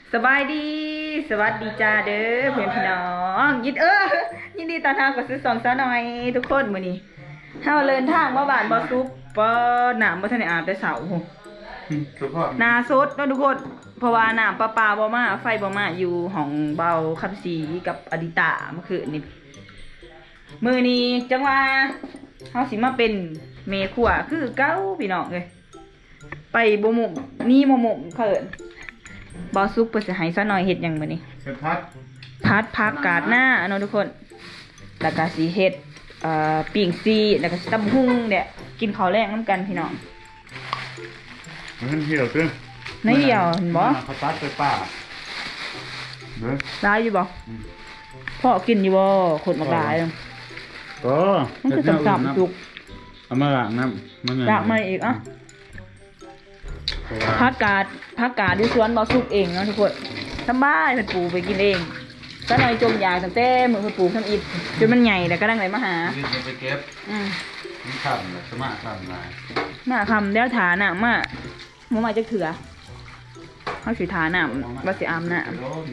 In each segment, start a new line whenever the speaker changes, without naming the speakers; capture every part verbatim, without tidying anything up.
สบายดีสวัสดีจ้าเด้อเพื่อนพี่น้องยินเออยินดีตอนทางกับซื้อสองซะหน่อยทุกคนมื้อนี้เฮาเดินทางมาบ้านบ่ซุปบ่น้ำบ่ทันได้อาบแต่เช้าโหหน้าสดเนาะทุกคนเพราะว่าน้ำประปาบ่มาไฟบ่มาอยู่ห้องเบาคำศรีกับอดิตาเมื่อคืนนี้มื้อนี้จังว่าเฮาสิมาเป็นเมครัวคือเก่าพี่น้องเอ้ยไปบ่หมุมนี่บ่หมุมเขินบอซุปเปิดจะให้ซะหน่อยเห็ดอย่างมื้อนี้
เป็นพัด
พัดผักกาดหน้าเนาะทุกคนแล้วก็สีเห็ดเอ่อปิ่งซีแล้วก็ตำหุ่งเนี่ยกินข้าวแรงน้ำกันพี่น้อง
มันเหี่ยวตึ้ง
ไม่เดียวเห็นบ่
เขาตัดไปป่าเด้อ
ได้อยู่บ่พ่อกินอยู่บ่คนมากหลาย
ก็
มันคือต่ำๆจุก
เอามาล้างน้ำมัน
ล้างมาอีกอ่ะผักกาดผักกาดที่สวนบอซุปเองเนาะทุกคนทำบ้านเพิ่นปลูกไปกินเองซะหน่อยจมยาตั้งแต่มื้อเพิ่นปลูกทำอิฐจนมันใหญ่แล้วก็ดังไหลมาหา
ไปเก็บ
อืม
มันทำเลยสมาทำลาย
มาคำแล้วฐาน่ะมาบ่มาจักเถื่อเฮาสิฐาน่ะว่าสิอาบน้ำ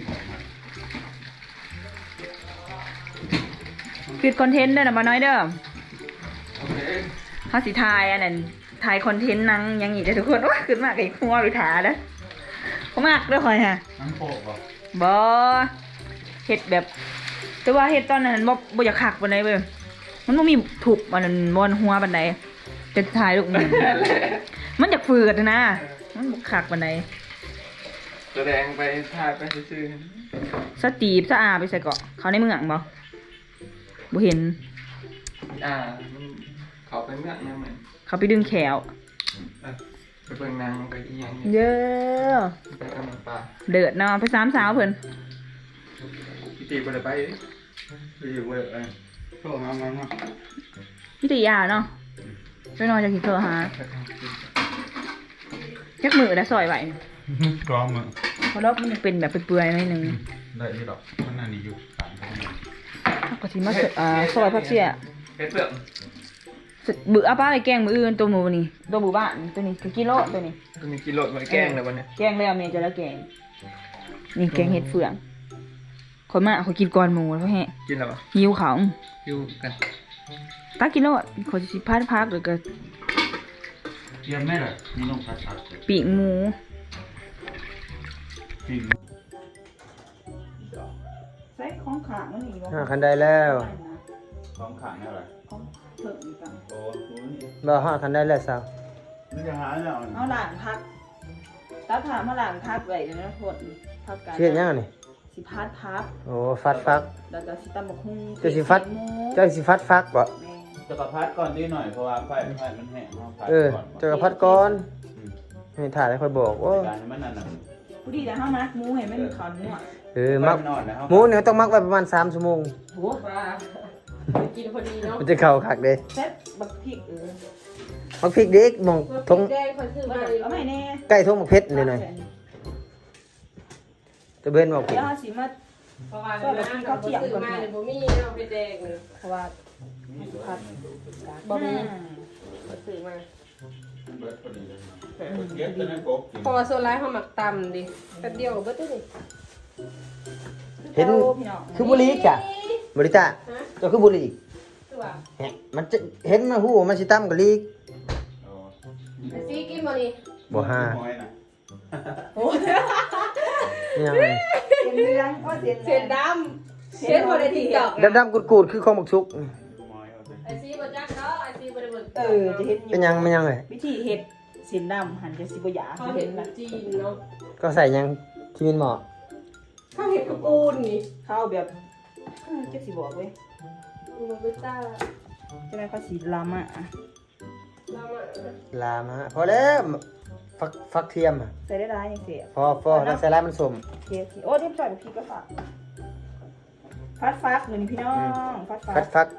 ปิดคอนเทนต์เด้อน่ะบ่น้อยเด้อเฮาสิถ่ายอันนั้นถ่ายคอนเทนต์นังยังอีกทุกคนว่าขึ้นมากไอ้หัวหรือถาเด้อบ่มากเด้อค่อยฮะ
นังโปกบ่
บ่เฮ็ดแบบแต่ว่าเฮ็ดตอนนั้นบ่บ่อยากคักปานใดเว้ยมันบ่มีถูกอันนั้นบ่หัวปานใดจะถ่ายลูกมันมันอยากฝืดนะมันบ่คักปานใด
แสดงไปถ่ายไปซื่อ
ๆสตีบสะอาไปใส่เกาะเขาในเมืองบ่บ่เห็น
อ่าเขาไปเมืองยังเหมือน
เขาไปดึงแขว
ไปเบิ่งนางไปอีหยัง
เยอะ
ไปกำลังปลา
เดือดเนาะไปสามสาวเพิ่น
พี่ตีบ่ได้ไปไปอยู่เว้ยเอ้ยโทรหามันเนาะ
พี่ตียาเนาะไปนอนจากที่เธอหาจักมือแล้วซอยไว้
กรองมือ
เพราะรอบมันเป็นแบบเปื่อยๆหน่อยนึง
ได้ที่ดอกมันนั่นนี่อยู่สามคน
ถ้าก็สิมาอ่าซอยผักเสีย
เฮ็ดเปลือก
บื้ออาป้าไปแกงมืออื่นตัวหมูนี่ตัวหมูบ้านตัวนี้คือกิโลตัวนี้
ตัวนี้กิโลไว้แกงเลยวันนี้
แกงแล้วเมย์จะแล้วแกงนี่แกงเห็ดเฟืองคนมาเขากินก่อนหมูแล้วแฮะ
กินแล้วปะ
หิวเขา
หิวกัน
ตากิโลเขาจะพัดพักหรือก็
เยี่ยมแม่เลยมีน้องพัดพัด
ปีกหมู
ปีก
ใส่ของขางมันนี่
บ่คันได้แล้ว
ของขางอะไร
บ่ฮอดคันได้แล้วซะ
มันจะหาแล้ว
เอาหลานพักตาถามมาหลานพักไว้นะทุกคนพักกัน
เฮ็ดยังนี่
สิพัดพัก
โอ้ฟัดฟัก
แล้วก็สิตำบักหุ่ง
เจ้าสิฟัดเจ้าสิฟัดฟักบ่
จะกระพัดก่อนนิดหน่อยเพราะว่าไฟไฟมันแห้ง
เออเจ้ากระพัดก่อนให้ถ่ายให้ค่อยบอกว่า
มันนั่นน่ะ
ผู้ดีแล้วเฮามักหมูให้มันขอนนัว
เออมักหมูเนี่ยต้องมักไว้ประมาณสามชั่วโมง
โหกินพอดีเนาะ
มันจะเข้าคักเด้
แซ่บบักพริกเออ
บักพริกเด็กมองทง
เอาใหม่แน่
ใกล้ทงบักเพชรหน่อยๆจะเบิ่นบอกผิด
แล้วสิมาเพราะว่าเขาเที่ยงก่อนมาบ่มีเอาไปแดงเลยเพราะว่าผัดบ่มีซื้อมา
พอโซล่าเขาหมักตำดิแป๊บเดียวเบิดเลย
เห็นคือบุหรี่จ้ะบริตาเจ้าคือบุหรี่มันจะเห็นมันหูมันสิตำกับลีก
ซีกินบ่นี่
บ่ห้า
โอ้
ยยัง
ไงเสียนเหลืองก็เสียน
เสียนดำเสียนบ่ได้ที่ดอก
ดำๆกูดๆคือของบักชุก
ไอซีบ่จักเนาะไอซีบ่ได้เบิ่ง
เออจะเห็น
เป็นยังมันยังไง
วิธีเฮ็ดเสียนดำหั่นจะสิบ่หยา
เขาเห็นนะจีนเนาะ
ก็ใส่ยังที่มินเหมาะ
เขาเห็นกับปูนนี่
เขาแบบเจ็บสิบอกเว้ย
โรเบต้า
จะได้เขาสีลามะ
ลามะ
ลามะพอแล้วฟักฟักเทียมอ่ะ
ใส่ได้ร้ายยังเสีย
พอพอแล้วใส่ร้ายมันสม
เทียมโอ้เทียมใส่กับพี่ก็ฝักฟัดฟักเหมือนพี่น้องฟัดฟั
กฟัก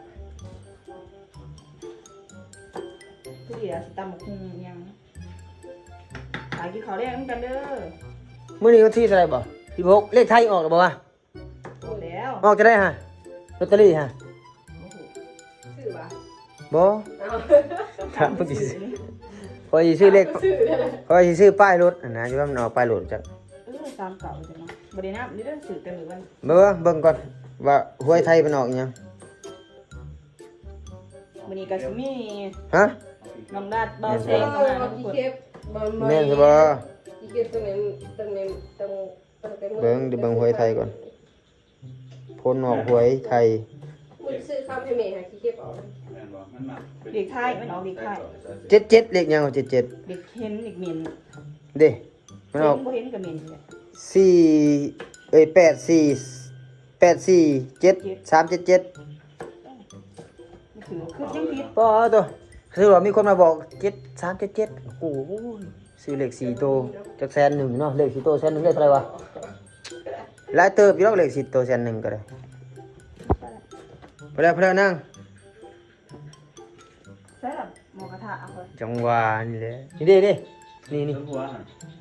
ผู้ดีอะสิตำหมกหุ่งยังขายกินข้าวได้เหมือนกันเด้อ
มื้อนี้วันที่เท่าไหร่บ่สิบหกเลขไทยออกแล้วบ่วะ
ออกแล้ว
ออกจะได้ฮะลอตเตอรี่ฮะ
ซื้อบ่
บ่ถามเพิ่นสิพอสิซื้อเลขพอสิซื้อป้ายรถนะอยู่ว่ามันออกป้ายรถจัก
เออสามเก่าจังเนาะบ่ได้นับนี่เด้อสื่อแต่มื้อวัน
เบิ่งเบิ่งก่อนว่าหวยไทยเป็นออกอีหยัง
มื้อนี้ก็สิมี
ฮะ
น้องดาดเบาแซ
เอง
เข้ามา
อ
ทุก
กี่
คน
เก็บบ่
แม่นสิบ่
กี่เก็บตรงนี้ตรงนี้ตรงตรง
เบิ่งเดี๋ยวเบิ่งหวยไทยก่อนผลออกหวยไทย
มึงซื้อคำให้แม่หากี่เก็บเอา
แม่นบ่มันมา
เด็กไทยมันออกเด็กไทย
เจ็ดเจ็ดเลขหยังเจ็ดเจ็ด
เด็กเห็นเด็กเหม็น
เด้มันออก
บ่เห็นก็เหม็นเลย
สี่เอ้ยแปดสี่แปดสี่เจ็ดสามเจ็ดเจ็ด
นี่คือคือยังผิด
ปอตัวคือว่ามีคนมาบอกเจ็ดสามเจ็ดเจ็ดโอ้โหซื้อเลขสี่โตวจากแสนหนึ่งเนาะเลขสี่โตวแสนหนึ่งเลขเท่าไหร่วะหลายเติบอยู่แล้วเลขสี่โตวแสนหนึ่งก็ได้ไปแล้วไปแล้วนั่ง
ใช่ล่ะหมอกระทะเอาไป
จังหวะนี่แหละนี่เด้เด้นี่นี่
ต้นหัวหั่น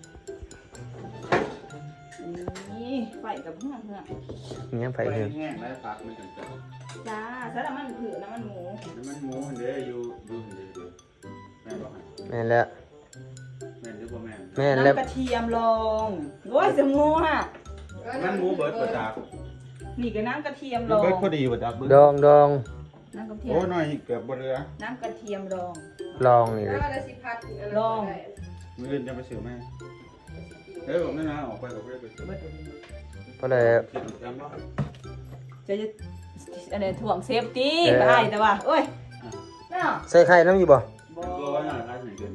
นี่ไฟกับเพื่อนเพื่อน
นี่ยังไฟ
ไป
เหือง
แห้งแล้วพักมันจังจัง
จ้าใช่ละมันผือน้ำมันหมู
น้ำมันหมูหั่นเด้ออยู่อยู่หั่นเด้ออยู่แม่นบ่หั่น
แม่นแล้ว
แม่นหรือบ่แม่น
แม่นแล้ว
น้ำกระเทียมลงโอ้ยสมูฮะ
มันหมูเบิดบ่จัก
นี่ก็น้ำกระเทียม
มัน
ลง
เบิดพอดีบ่จักเบิด
ดองดอง
น้ำกระเทีย
โอ้
ม
น้อยเกือบบ่เหลือ
น้ำกระเทียมลง
ลองนี่เลย
แล้วได้สิพัด
ลอง
มื้ออื่นจะไปซื้อแม่เด้อผมนั่นนะออกไปก็บ่ได้ไปซื้อ
เบิดเดี๋ยวนี้
เพราะเลย
คิดจำบ่
จะจะอันนี้ถ่วงเซฟตี้ไปไอ้แต่ว่าโอ้ยน่า
ใส่ไข่น้ำอยู่บ่
บ
ก็ว่าน่ารักเหมือนกัน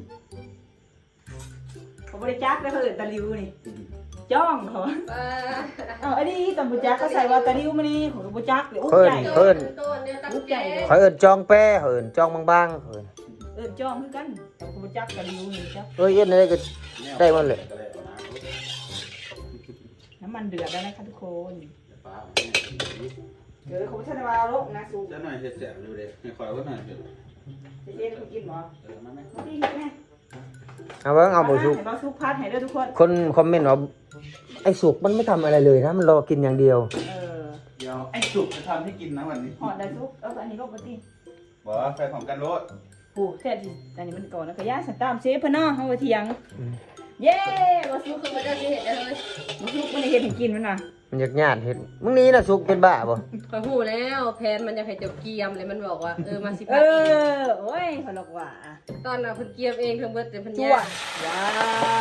เขาบริจาคได้เขาเอินตะลิวนี่จ้องเขา
อ่า
เอาอันนี้ตำบุจักก็ใส่ว่าตะลิวมานี่ของบุจักเดี๋ยวอุ้ม
เพิ่น
ใหญ่
เพิ่น
ตัวเนี่ยตั้งใจ
เขาเอิ้นจองแป้เขาเอิ้นจองบางๆเขาเอิ้น
เอินจ้องคือกันแต่บุจักตะลิวนี่จ้ะ
เอ้ยเอ็นอะไรก็ได้หมดเลย
น้ำมันเดือดแล้วนะคะทุกคน
ป้า
เดี๋ยวเขาจะมาลงนะสู
จะหน่อยเฮ็ดแซ่บอยู่เด้ให้คอยว่าหน่อยเฮ็ด
จะเย็นเขากินหรอ
เออมาไหม
มาดีเห็นไหม
เอาเบิ่งเอาบ่สุก
ให้เราสุกพัดให้ด้วยทุกคน
คนคอมเมนต์ว่าไอ้สุกมันไม่ทำอะไรเลยนะมันรอกินอย่างเดียว
เออ
เดี๋ยวไอ้สุกจะทำให้กินนะวันนี้
หอดได้สุกเอาอันนี้ลงมาตี
บอกว่าใส่ของกันรถ
ผู้แท้ที่อันนี้มันก่อนแล้วก็ย่าสันตามเชฟเพิ่นเนาะเฮาไปเถียงเย้บ่สุ
ลู
ก
กคือมันจะเห็นได้เลย
บ่สุกมันได้เฮ็ดให้กินมันว่ะ
มันอยากญาติเห็ดมึงนี้นะสุกเป็นบ้าบ่
คอยหูแล้วแพนมันจะให้เจ้าเกียมเลยมันบอกว่าเออมาสิ
เอ
พัดเอง
อโอ้ยเขาบอกว่า
ตอนน่ะเพิ่นเกียมเองเพิ่นเบิดแต่เพิ่น
จั่
ยาว
ว้าว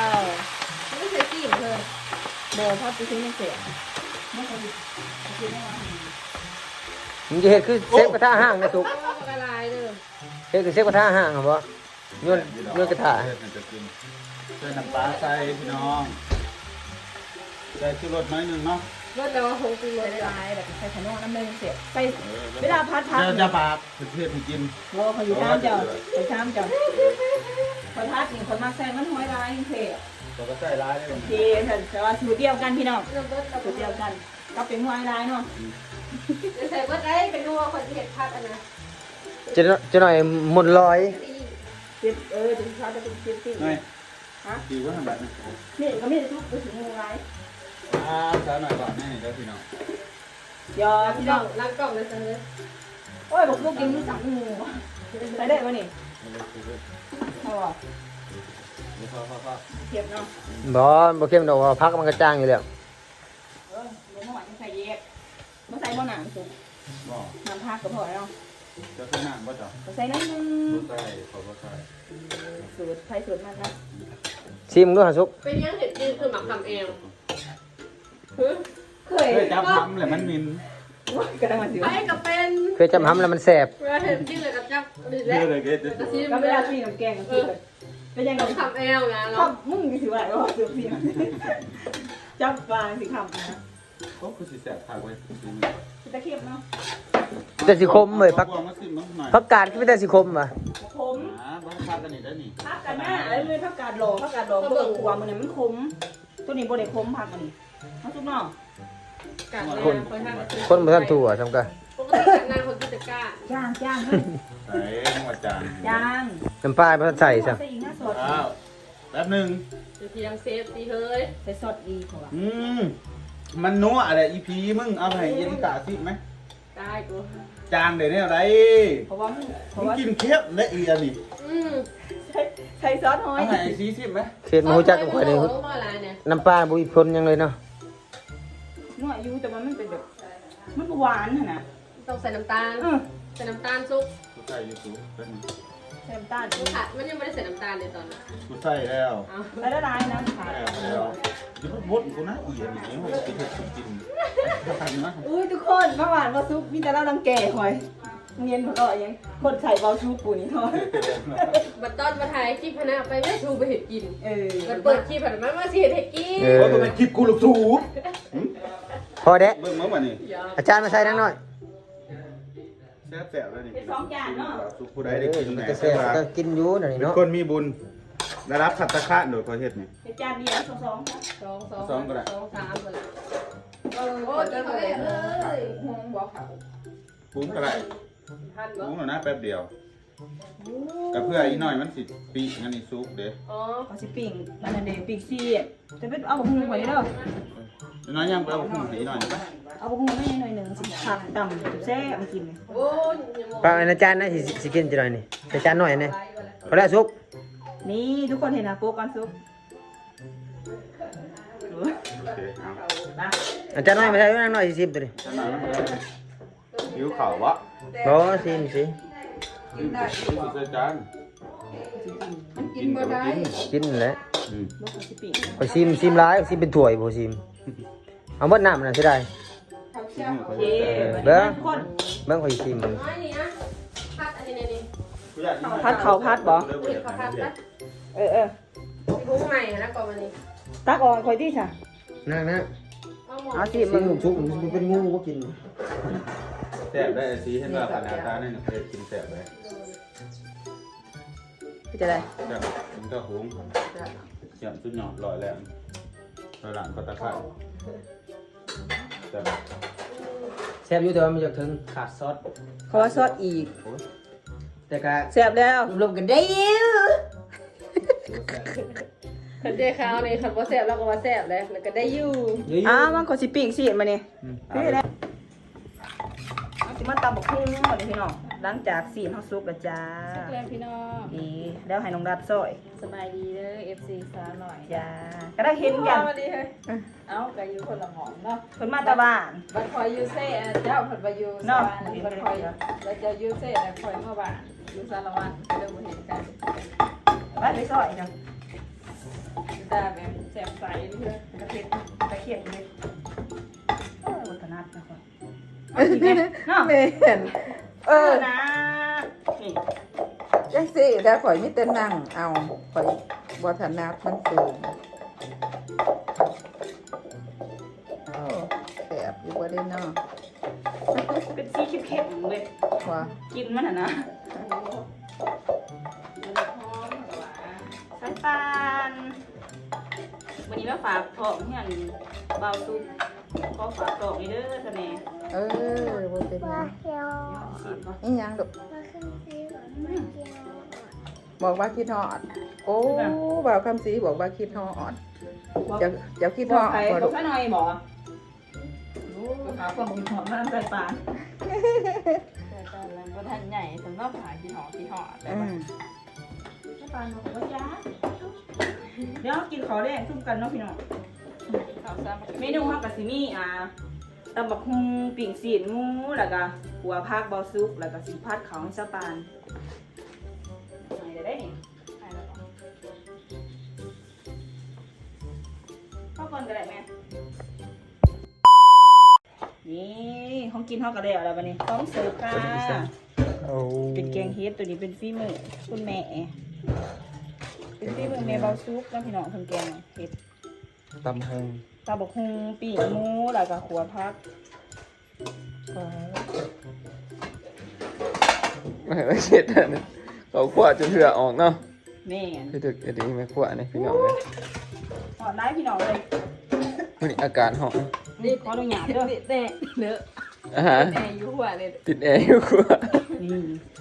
ไม่ใช่กีมเพิ่น
บ่พัดไปซื้อไม่เสียไม่เคยกินได้ว่า
มึงจะเห็ดคือเซฟกระทะห้างนะสุก
ก็กระลายเด้อ
เห็ดคือเซฟกระทะห้างเหรอบ่โยนโยนกระทะ
เฮ็ดให้จะกินใส่น้ำปลาใส่พี่น้องใส่ชูรสหน่อยหนึงเนาะ
เบิดแล้วคงกินหม
ใส่
ด
ได้
เลย
หลายแบบใส่ขนมน้ำเลยเสียใส่เวลาพัดพัด
เดี๋ยวจะปากเพื่อนให้กิน
โอ้เขาอยู่ตามเจ้าไปตามเจ้าพอพัดนี่คนมาใส่มันห้อยลายเท่
เราก็ใส่ร้ายได้เลย
เท่แต่ว่าสูตรเดียวกันพี่น้อง
เริ่มเบิดกับ
สูตรเดียวกันก็เป็นห้อยลายเนาะ
จะใส่เบิดได้เป็นนัวคนที่เห็ดพัดอันนะ
จะจะหน่อยหมุนลอย
เจ็บเออจะพัดจะเป็นเจ็บสิ
หน่อย
ฮะ
ดีว่าทำแบบนี้
นี่ก็ไม่ได้ทุกไปถึงงูไร
อ่าใส่หน่อยก่อนแม่นี่เด้อพี่น้อง
ยอ
ล้าง
พี่
กล่
น้
อ
อง ง
ล้างกล่องเลยเสนอ
โอ้ยบอกลูกกินมือสั่งงูใส่ได้ปะนี่พอ
พอพอพอ
เจ็บเนาะ
บ่บ่เข้มดอกว่าพักมันกระจ้างอยู่แล้ว
เออเดี๋ยวเมื่อวานใส่เย็บเมื่อใส่บ่หนังสุก
บอก
น้ำพักก็พอแล้ว
จะใส่น้ำบ่จ้ะ
ใส่น้ำนึง
บ่ใส่ขอบ่ใส่
สูตรไทยสูตรมันนะ
ชิมดูหาสุก
เป็นยังเห็ดจีนคือหมักทำเอง
เคย
เฮ้ยจับทำเลยมันมิน
กระดังมาสิ
ไอ้ก็เป็น
เคยจำห้ำแล้วมันแซ่บ
เวลาเห็ดจีนเลยกับจับดี
เย
แล้ว
อะเลยเกด
กระซิบ
ก็เวลาที่น้ำแกงก็คือเป็นยังไง
ทำเองนะ
ค
เนาะ
ำมึงสิว่าว่าสูตรพี่จับปลาสิคำนะ
ก็คือสิแสบทางไว้
ตะเคียบเนาะ
แต่สิคมเลยพัก
มาซิมน้องหน่อย
พักกาดก็ไม่แต่สิคมว่ะ
ขม
อ่าบ้านพากันนี่ได้นี่
พักกันหน้าไอ้เลยพักกาดหล่อพักกาดหล่อเบิ่งขวามันเนี่ยมันขมตัวนี้บ่ได้ขมพักอันนี้เอาทุกเนาะ
กัดเลยคอยทำ
คนบ่ทันถั่วทำกัน
ปกติกัดนานคนกิจการ
ย่างย่าง
ไอ้จังหวัดจาน
ย่าง
น้ำปลาบ่ทันใส่ซะ
ใส่อีกหน้าสด
อ้าวแป๊บนึง
อยู่ที่ยังเซฟตีเฮ้ย
ใส่สดดีกว่า
อืมมันนัวอะไรอีพีมึงเอาให้ยินกาซิไหม
ตายกู
จางเดี๋ยวนี้อะไร
เพราะว่าเพ
มึ
ราะ
ง
ว่า
กินเค็มและอีอันนี้
อืม
ใส่ใส่ซอสหอย
เอาไหนซีซิมไหม
เขตมาฮู้จักกับข่อยนี่
โอ้มาอะไรเนี่ย
น้ำปลาบ่มีผลหยังเลยเนาะ
นัวอยู่แต่ว่ามันเป็นแบบมันหวานหั่นน่ะ
ต้องใส่น้ำตาล
เออ
ใส่น้ำตาลซุป
กูใส่ยูทูบเป็น
ใส่น้ำตาล
มันขาดมันยังไม่ได้ใส่น้ำตาลเลยตอนนั้น
กูใส่แล้ว
เอา
ใส่ละลายนะค่ะ
ใส่แล้วเดี๋ยวบดกูนะอีอย่างนี้มันกินเผ็ดกินทำนะ
อุ้ยทุกคนเมื่อวานบ่ซุปมีแต่เราลังแก่หอยเงียนบ่ก็ยังคนใส่เบาชูปูนี่เนาะ
บัดตอนมาถ่ายคลิปพนะไปไม่ชูไปเห็ดกิน
เออ
มันเปิดคลิปผ่านมามาเสียเห็ดกิน
เอ
โอ้
อ
ตัวเป็นคลิปกูลูกสูบ
พอเด้
เบิ่งมั้งวันนี้
อาจารย์มาใส่นังหน่อย
แซ่บแซ่บเลยนี่
เป็นสองจานเนาะ
สุกูได้ได้กิน
มัน
แหน่
ก็แซ่บก็กินอยู่นั่นนี่
เป็น
เนาะ
คนมีบุญได้รับขัตตะคะโดยพอเฮ็ดนี่
เป็นจานเดียวสองสองค่ะ
สองสอง
สองก็ได้
สองสามก็ได้
เออ
โอ้ยกินเลยเอ้ยหงบอกเขา
ปรุงก็ได้
ทัน
ป
บ่
รุงหน่อยนะแป๊บเดียวกับเพื่ออีกหน่อยมันสิปีงั้นนี่ซุปเด้
อ๋อ
เอาสิปิ้งอันนั้นเด้ปิ้งซี่จะเป็นเอาหุงไว้เด้อ
อีกน้อยยังไปเอาหุ่นอีกหน่อยนะ
เอาหุงไม่หน่อยหนึงสิผักต่ำแซ่บมากินเลย
โอ้ยยังมอง
ปลาอาจารย์นะสิสิกินจังหน่อยนี่อาจารย์หน่อยนี่พอแล้วสุก
นี่ทุกคนเห็นนะโป๊กกันซุป
โอเคเอา
นะ
อาจารย์หน่อยมาใส่นังหน่อยสิสิบตัวนี้
จะนอนแล้วหิวข่าววะ
บ่สิมสิ
กินได้กินใส่จานกินบ่ได้
กินแหละ
อืม
ลูกเขาสิปิ้ง
ไปซิมซิมหลายซิมเป็นถ้วยบ่ซิมเอาหมดน้ำนั่นสิได้
โอเค
เด้อ
ทุกคน
เบิ่งข่อยซิม
น้อยนี่นะพัดอันนี้นี่
พัดเขาพัดบ่
นี่เขาพัดนะ
เออเออ
พุ้งใหม่นะก่อนวันนี้
ตักออกคอยที่ค่ะ
นั่งนะ
เอาหมด
เอาสิ
ซิ
มึ
ม
ง
สุกมันเป็นงูบ่กิน
แซ่บได้สีเห็นว่าขนาดตาเนี่ยเคยกินแซ่บเลย
จะได้
แซ่บมันก็หุงเยี่ยมสุดยอดลอยแล้วลอยหลังก็ตะไคร้แซ่บ
แซ่บอยู่แต่ว่ามันจะถึงขาดซอส
ขอซอสอีก
โอ้ย
แต่ก็
แซ่บแล้ว
รวมกันได้อยู่
ขันเจ้ขาวนี่ขันว่าแซ่บแล้วก็ว่าแซ่บเลยแล้วก็ได้อยู่
อ้าวมันขอสิปิ้งสิมานี่นี่แหละเอาสิมาตำบักหุ่งมาเลยพี่น้องหลังจากสีเฮาสุกแล้วจ้า
แล้วพี่น้อง
ดีแล้วให้น้องดัดซอย
สบายดีเด้อ เอฟ ซี สาวหน่อย
จ้าก็ได้เห็นกัน
สวัสดีเฮ้ยเอ้าก็อยู่คนละหมองเนาะ
เพิ่นมาตาบ้าน
บัดคอยยูเซ่เจ้าผัดบายูส
เนาะ
วรรค์บัดคอยเราจะยูเซ่แต่คอยเมื่อวานยูสารวัตรเริ่มเห็นกัน
ไปไปซอยจ้ะ
ตาแบบแจ่มใสเลย
กระเทียมกระเทียมเลยโอ้ยวัฒนัดนะครับเอาอีกเนี่ยเนาะ
แม่น
เออนะนี่
จังสิถ้าข่อยมีแต่นั่งเอาข่อยบ่ถนัดมันสูงโอ้แสบอยู่บ่ได้เนาะ
เป็นสีเข้มๆเลย
ว่า
กินมันน่ะนะสายปานวันนี้มาฝากของเฮียนเบาซุปขอฝากของนี่เด้อซะแม่
เออบ่เป็นหยัง
สิบ่
อีหยังดอกบอกว่าคิดฮอด โอ้บ่าวคำศรีบอกว่าคิดฮอดจะจะคิดฮ
บอ
อก ด
ใคร
บ่
บ
ลู
อก
ก
ข้าหน่อยบอกโอ้ฝากความบุญหอมมาทำสายปาน
แต่ตอนนั้นก็ท่านใหญ่สำหรับหากินหอกินหอแต่
อืม
สายปานบอกว่าจ้าเดี๋ยวกินข้าวแดงซุ่มกันเนาะพี่น้อง
ข่าวซ้ำ
เมนูฮักกะซิมีอ่าตำบักฮุงปิ่งสีนหมูแล้วก็หัวผักเบาซุปแล้วก็สิพัดเขาให้สะปานไหนจะได้นี่เข้าก่อนก็ได้แม่นี่ของกินเฮาก็ได้แล้วบัดนี้พร้อมเสิร์ฟค่ะ
โอ้
เป็นแกงเฮ็ดตัวนี้เป็นฝีมือคุณแม่เป็นฝีมือแม่เบาซุปแล้วพี่น้องเพิ่นแกงเฮ็ด
ตำหง
ตำบักฮุงปิ่งหมูแล้วก็ขัวผัก
ไม่ไม่เช็ดอันนี้เขาขวดจนเถื่อออกเนาะ
แม่น
คือถึกจะดีไม่ขวดนี่พี่น้องเลย
หอดร้ายพี่น้องเลย
วันนี้อากาศหอม
นี่ขอดูหยาบเด้อ
แต่เลอะ
อาหาร
แต่อยู่หัวเลย
ติดแอร์อยู่ขวด
นี่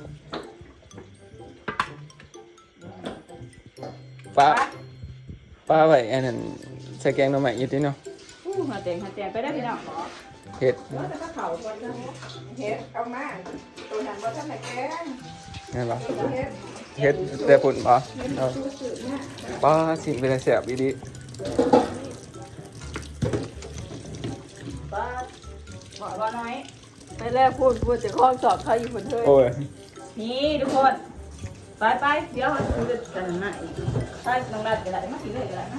ป้าป้าไว้อันนั้นใส่แกงหน่อไม้อยี่ติเนาะ
อู้หาแตงหาแตงไปได้อพี่น้อง
เห็ด
แล้วแต่ก็เผาก่อนนะ
เฮ็ดเอามาตัวนั้นบ่ทันได้แกง
นั่นหรอ
เฮ็ด
เฮ็ดแต่ปุ่นปะป้าสิ่งเป็นแสบอีดี
ป้าบอกว่าน้อย
ไปแรกพูดพูดจะคล้องสอบเขาอยู่คนเทย
โอ้ย
นี่ทุกคน ไปไปเดี๋ยวเราจะกันหน้าอีกไปน้องรัดกันได้มากินเลยกันได้นะ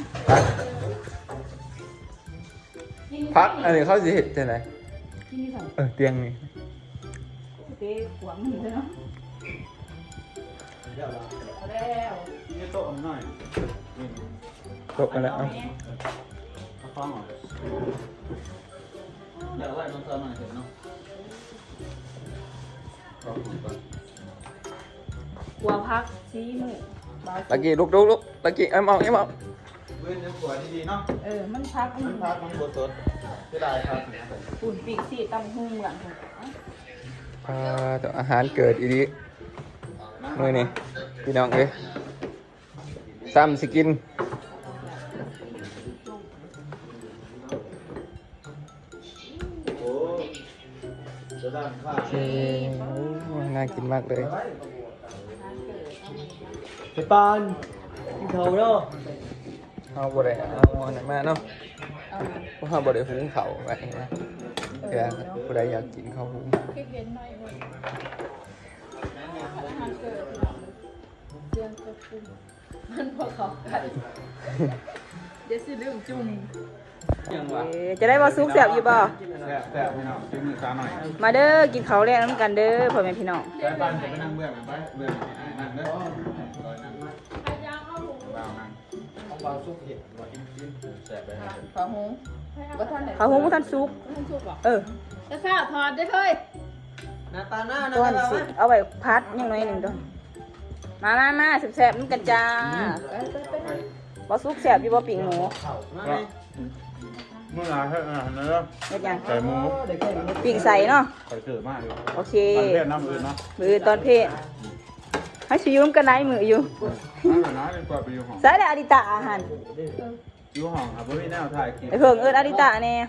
พักอันนี้เขาสิเห็ดจังได
กินนี่สั่ง
เออเตียงนี่
เต้ขวางมันเลยเนาะเอาแล้ว
นี่โต๊ะหน่อย
ตกกันแล้ว
เอา
เอา
แม่
เอาฟังหน่อยเดี๋ยวไว้น้องเติมหน่อยเถอะเนาะเอาของก่อน
หัวพักซีหมู
ตะกี้ลุกลุกลุกตะกี้ไอ้มองไอ้มอง
เว้นยังสวยดีๆเนาะ
เออมันพักมั
มัน นพักมันบดสดเสียดายครับ
ปุ่นปีกสีตำหุ่งหลังผม
อ่าแต่อาหารเกิดอีดีมื้อนี้พี่น้องเอ้ยซ้ำสิกิน
โอ้จะด้านข้า
โอเคโอ้น่ากินมากเลย
ไปปานกินเขาเนาะ
เอาบ่ได้เอาอันนั้นมาเนาะเพราะว่าบ่ได้หุงข้าวไว้นะเดี๋ยวผู้ใดอยากกินข้าวหุง
คิดเห็นหน่อยเลยอาหารเกิดเรื่องกระปุกมันพอเขากันเดี๋ยวสิลืมจุ่ม
ยังวะ
เออจะได้บ่ซุกแซ่บอยู่บ่
แซ่บแซ่บพี่น้องจิ้มมือซ้าหน่อย
มาเด้อกินข้าวแลกน้ำกันเด้อพ่อแม่พี่น้อง
แซ่บปันจะไปนั่งเบื้องกันไปเบื้องนั่งเด้อรอยนั่ง
พยายามเอาหู
บ่าวนั่งต้องบ่าวซุปเห็ดว่ากินกินแซ่บไปให้
ฝาหงบ่ทันได้
ข้าวหุงบ่ทันซุก
ท่านสุกเหรอ
เออ
จะฝ้าถอดได้เฮ้ย
หน้าตาหน้านะ
ต้นสิเอาไว้พัดยังน้อยหนึงต้นมามามาแซ่บๆนำกันจ้า
ไปไปไป
บ่ซุกแซ่บอยู่บ่ปิ่งหมู
เมื่อไหร่ให้อาหารเนื้อ
เฮ็ดหยัง
ใส่หมู
ปิ่งใส่เนาะ
ใส่เสือมากเลย
โอเค
ตอนเทศน้ำอื่นเนาะ
มือตอนเพศให้สิอยู่นำกันไหนมืออยู่
น้ำน้ำดีกว่าไปอยู่ห้อง
ใส่แล้วอดิตะอาหาร
อยู่ห้องครับไม่แนวถ่ายคลิป
ไอ้เพิ่งเอิ้นอดิตะแน่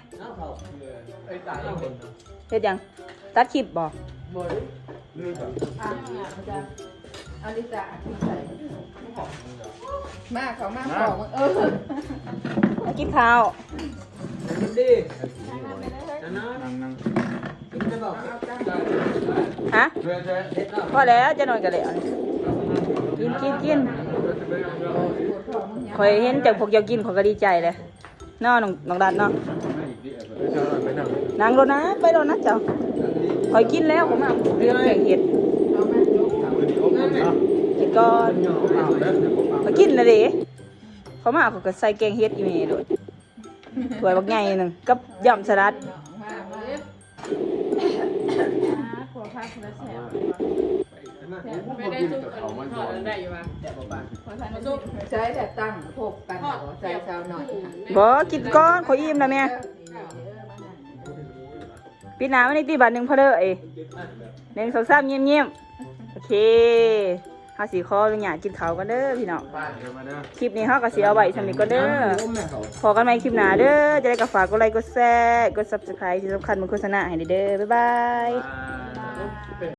เฮ็ดหยังตัดคลิปบ่
ลืมแบบ
อ่ะอลิสาใส่มาเขามาของมึงเออ
มากินข้าว
นั่งนั่ง
ฮะ
เพื่อนเจ๊
พอแล้วจะนอนกันแล้วกินกินกินข่อยเห็นจากพวกเจ้ากินข่อยก็ดีใจเลยเนาะน้องน้องดันเนาะนางโดนนะไปโดนนะเจ้าข่อยกินแล้วผมมาเรื่องแกงเห็ดกินก่อนข่อยกินเลยดิเขามาเขาก็ใส่แกงเห็ดอยู่นี่ด้วยถ้วยบักใหญ่หนึงกับยำสลัด
ขวพักแล้วแสบไม่ได้จุ่มถอดได้อยู่ป่ะมาจุ่ม
ใช้แต่ตั้งพบกันใส่เช้าหน่อย
บ่กินก่อนข่อยอิ่มแล้วแม่ปีหน้าวันนี้ตีบัตรหนึ่งพอเด้อเอ้ยหนึ่งสองสามเงียบๆโอเคเฮาสิขออนุญาตกินข้าวกันเด้อพี่น้อง
ป้าเดี๋ยวมาเด้อ
คลิปนี้เฮาก็สิเอาไว้สำหรับก่อนเด้อพอกันใหม่คลิปหน้าเด้อจะได้ก็ฝากกดไลค์กดแชร์กด Subscribe ที่สำคัญมันโฆษณาให้เด้อบ๊ายบาย
ป้า